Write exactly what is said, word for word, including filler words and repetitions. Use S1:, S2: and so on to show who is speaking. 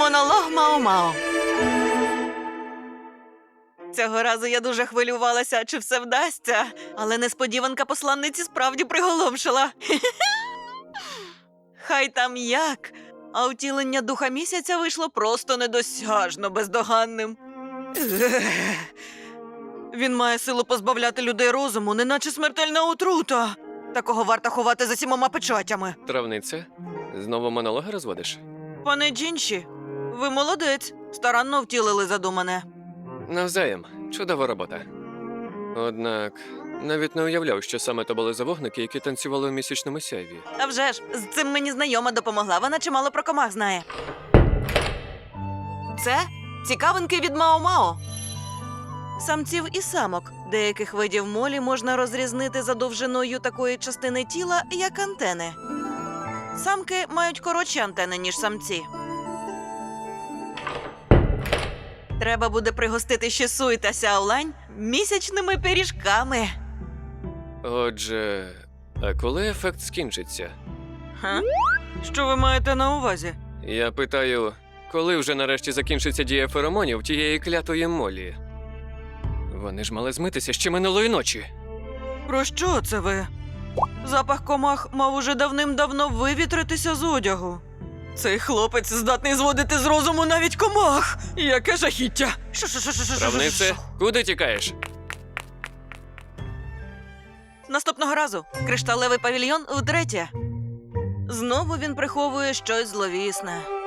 S1: Монолог Мао-Мао. Цього разу я дуже хвилювалася, чи все вдасться, але несподіванка посланниці справді приголомшила. Хай там як, а втілення духа місяця вийшло просто недосяжно бездоганним. Він має силу позбавляти людей розуму, неначе смертельна отрута. Такого варто ховати за сімома печатями.
S2: Травниця? Знову монологи розводиш?
S1: Пане Джінші, ви молодець, старанно втілили задумане.
S2: Навзаєм. Чудова робота. Однак, навіть не уявляв, що саме то були за вогники, які танцювали у місячному сяйві.
S1: А вже ж, з цим мені знайома допомогла, вона чимало про комах знає. Це цікавинки від Мао-Мао. Самців і самок деяких видів молі можна розрізнити за довжиною такої частини тіла, як антени. Самки мають коротші антени, ніж самці. Треба буде пригостити Шісуй та Сяолань місячними пиріжками.
S2: Отже, а коли ефект скінчиться?
S1: Ха? Що ви маєте на увазі?
S2: Я питаю, коли вже нарешті закінчиться дія феромонів тієї клятої молі? Вони ж мали змитися ще минулої ночі.
S1: Про що це ви? Запах комах мав уже давним-давно вивітритися з одягу. Цей хлопець здатний зводити з розуму навіть комах. Яке жахіття!
S2: Травнице, куди тікаєш?
S1: Наступного разу кришталевий павільйон утретє. Знову він приховує щось зловісне.